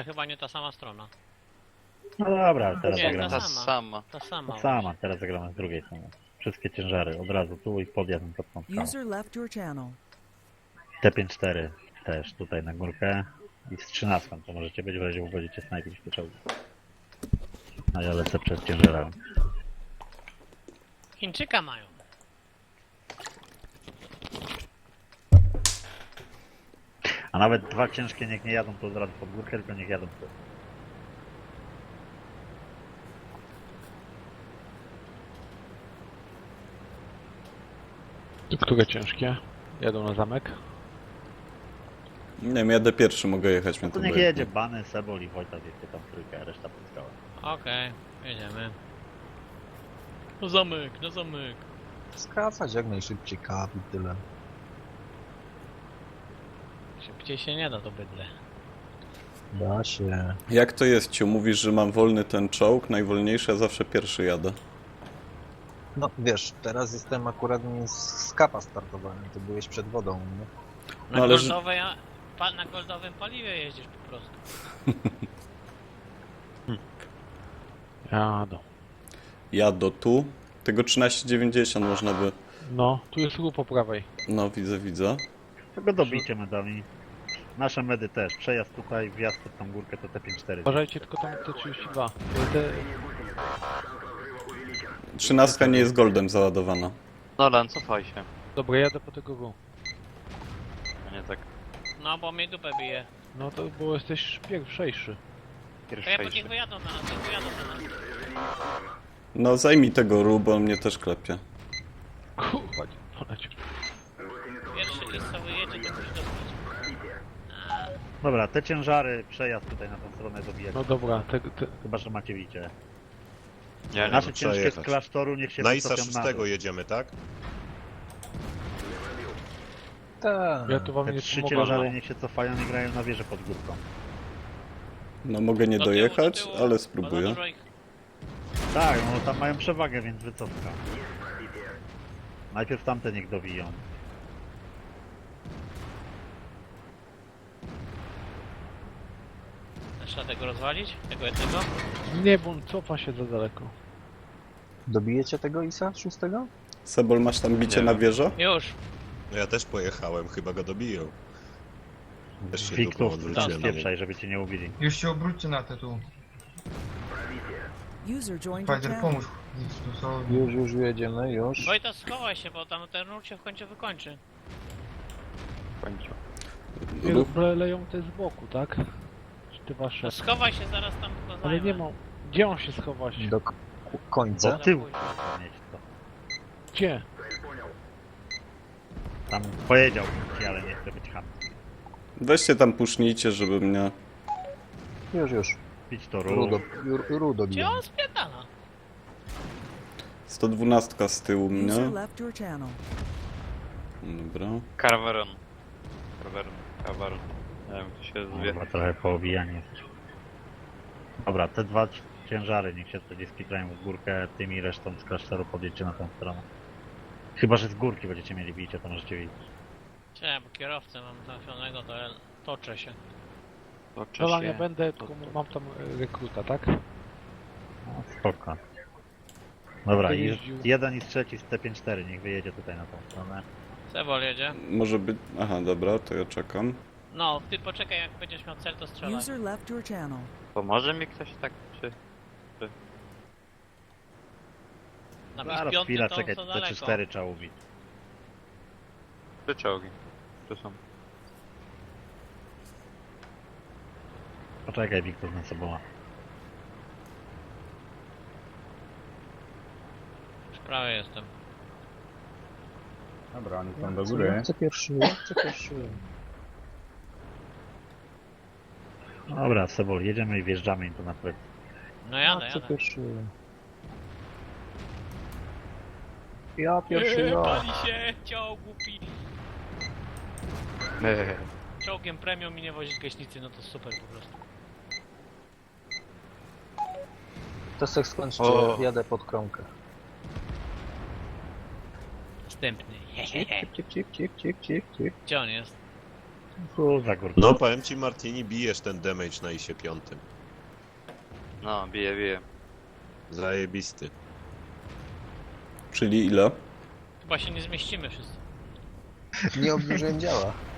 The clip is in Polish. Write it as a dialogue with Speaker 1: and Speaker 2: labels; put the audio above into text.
Speaker 1: chyba nie ta sama strona.
Speaker 2: No dobra, teraz
Speaker 1: Nie,
Speaker 2: zagramy.
Speaker 1: ta
Speaker 3: Ta
Speaker 1: sama.
Speaker 3: sama.
Speaker 1: Ta sama.
Speaker 2: Ta sama, teraz zagramy z drugiej strony. Wszystkie ciężary od razu tu i podjadę pod tą skałę.
Speaker 4: User left your channel.
Speaker 2: T54 też tutaj na górkę. I z 13 to możecie być, w razie będziecie snajpić te czołgi. A ja lecę przed ciężarami.
Speaker 1: Chińczyka mają.
Speaker 2: A nawet dwa ciężkie niech nie jadą tu od razu pod górkę, tylko niech jadą tu.
Speaker 5: Które ciężkie? Jadą na zamek.
Speaker 6: Nie wiem, jadę pierwszy, mogę jechać.
Speaker 2: No
Speaker 6: Mnie
Speaker 2: to
Speaker 6: to
Speaker 2: niech
Speaker 6: obojętnie.
Speaker 2: jedzie Bany, Sebol i Wojta, wiecie tam trójkę, a reszta pod skałę.
Speaker 1: Okej, jedziemy. Na zamek, na zamek.
Speaker 7: Skracać jak najszybciej kap i tyle.
Speaker 1: Szybciej się nie da to bydle.
Speaker 7: Da się.
Speaker 6: Jak to jest, Ciu? Mówisz, że mam wolny ten czołg, najwolniejszy, a zawsze pierwszy jadę.
Speaker 7: No wiesz, teraz jestem akurat z kapa startowany, ty byłeś przed wodą, nie?
Speaker 1: Na,
Speaker 6: No ale że-
Speaker 1: goldowej, na goldowym paliwie jeździsz po prostu.
Speaker 5: Jadą.
Speaker 6: Jadę tu. Tego 1390 można by...
Speaker 5: No, tu jest ruch po prawej.
Speaker 6: No, widzę.
Speaker 2: Tego dobicie medami. Nasze medy też. Przejazd tutaj, wjazd pod tą górkę to T54.
Speaker 5: Uważajcie tylko tam T32. Te...
Speaker 6: 13 nie jest goldem załadowana.
Speaker 3: Nolan, cofaj się.
Speaker 5: Dobra, jadę po tego ruchu.
Speaker 3: A nie tak
Speaker 1: No bo mnie dupę bije.
Speaker 5: No to bo jesteś pierwszejszy.
Speaker 1: To ja
Speaker 3: pierwszejszy.
Speaker 1: niech wyjadą na nas, niech wyjadą na nas.
Speaker 6: No, zajmij tego ru, bo on mnie też klepie.
Speaker 5: Kurwa, nie polecił.
Speaker 1: Pierwszy list co wyjedzie, to musi dostać.
Speaker 2: Dobra, te ciężary, przejazd tutaj na tą stronę dobijać.
Speaker 5: No dobra,
Speaker 2: Chyba, że macie wicie.
Speaker 3: Nie, nie.
Speaker 2: Nasze
Speaker 8: trzeba
Speaker 2: ciężkie z
Speaker 8: jechać.
Speaker 2: klasztoru niech się
Speaker 8: Na ISA
Speaker 2: wycofią na
Speaker 8: 6
Speaker 2: dół.
Speaker 8: jedziemy, tak?
Speaker 7: Tak.
Speaker 5: ja tu wam
Speaker 2: Te
Speaker 5: nie
Speaker 2: trzy
Speaker 5: pomogę.
Speaker 2: ciężary niech się cofają i grają na wieżę pod górką.
Speaker 6: No, mogę nie
Speaker 1: Do tyłu,
Speaker 6: dojechać,
Speaker 1: do tyłu,
Speaker 6: ale
Speaker 1: bo za
Speaker 6: spróbuję.
Speaker 1: dużo ich-
Speaker 2: Tak, no tam mają przewagę, więc wycofka. Najpierw tamte niech dowiją.
Speaker 1: Trzeba tego rozwalić? Tego jednego?
Speaker 5: Nie, bo on cofa się za daleko.
Speaker 7: Dobijecie tego ISA 6?
Speaker 6: Sebol, masz tam bicie
Speaker 8: Nie
Speaker 6: na
Speaker 8: wiem.
Speaker 6: wieżę?
Speaker 1: Już!
Speaker 8: No ja też pojechałem, chyba go dobiją. Też się dupą
Speaker 2: Wiktów,
Speaker 8: odwróciłem
Speaker 2: tam
Speaker 8: na niego.
Speaker 2: spieprzaj, żeby cię nie ubili.
Speaker 9: Już się obróćcie na te tu.
Speaker 4: User joined your
Speaker 9: Fighter,
Speaker 4: channel.
Speaker 9: pomóż. Tu są...
Speaker 7: Już jedziemy, już.
Speaker 1: Wojta, schowaj się, bo tam ten ruch się w końcu wykończy.
Speaker 3: W końcu.
Speaker 5: Nie,
Speaker 6: Ruch.
Speaker 5: leją te z boku, tak? Czy te wasze?
Speaker 1: No schowaj się, zaraz tam go zajmę.
Speaker 5: Ale nie ma... Gdzie on się schować?
Speaker 7: Do końca.
Speaker 2: Do tyłu mieć to.
Speaker 5: Gdzie?
Speaker 2: Tam powiedział ci, ale nie chce być chamski.
Speaker 6: Weźcie tam pusznijcie, żeby mnie...
Speaker 7: Już.
Speaker 2: Pić to
Speaker 7: Rudo,
Speaker 2: rów.
Speaker 7: rudo
Speaker 1: Gdzie
Speaker 7: bijemy.
Speaker 1: on spierdala?
Speaker 6: 112 z tyłu
Speaker 4: User
Speaker 6: mnie.
Speaker 4: left your channel.
Speaker 6: Dobra.
Speaker 3: Carveron. Carveron. Nie wiem, to się zwie.
Speaker 2: Chyba trochę poobijanie jesteś. Dobra, te dwa ciężary niech się wtedy skitrają w górkę, tymi resztą z klasztoru podjedźcie na tą stronę. Chyba, że z górki będziecie mieli bicie, to możecie widzieć.
Speaker 1: Cie, bo kierowcę mam trafionego, to ja toczę się.
Speaker 3: Toczy
Speaker 5: Nolan,
Speaker 3: się.
Speaker 5: ja będę, tylko mam tam rekruta, tak?
Speaker 2: No, spoko. Dobra,
Speaker 5: Będę
Speaker 2: i
Speaker 5: jeździł.
Speaker 2: jeden i trzeci z T54 niech wyjedzie tutaj na tą stronę.
Speaker 1: Sebol jedzie.
Speaker 6: Może być... Aha, dobra, to ja czekam.
Speaker 1: No, ty poczekaj, jak będziesz miał cel, to strzelaj.
Speaker 4: User left your channel.
Speaker 3: Pomoże mi ktoś tak, czy...
Speaker 1: Na
Speaker 2: Zaraz
Speaker 1: piątym
Speaker 2: chwila,
Speaker 1: to
Speaker 2: czekaj,
Speaker 1: za daleko.
Speaker 2: T4 trzeba ubić.
Speaker 3: Trzy czołgi. Tu są.
Speaker 2: Poczekaj, Wiktor na sobą.
Speaker 1: Już prawie jestem.
Speaker 7: Dobra, oni tam do góry. Chcę pierwszy.
Speaker 2: Dobra, Sebol, jedziemy i wjeżdżamy im tu na plecy.
Speaker 1: No jadę.
Speaker 7: Ja
Speaker 1: Pali się, ciąg głupi. Czołgiem premium mi nie wozić gaśnicy, no to super po prostu.
Speaker 7: To se skończcie,
Speaker 3: O.
Speaker 7: jadę pod kromkę.
Speaker 1: Następny.
Speaker 7: Cik.
Speaker 1: Gdzie on jest?
Speaker 2: Tu za górkę.
Speaker 8: No powiem ci Martini, bijesz ten damage na ISie 5.
Speaker 3: No, bije.
Speaker 8: Zajebisty.
Speaker 6: Czyli ile?
Speaker 1: Chyba się nie zmieścimy wszyscy.
Speaker 7: Nie obniżyłem działa.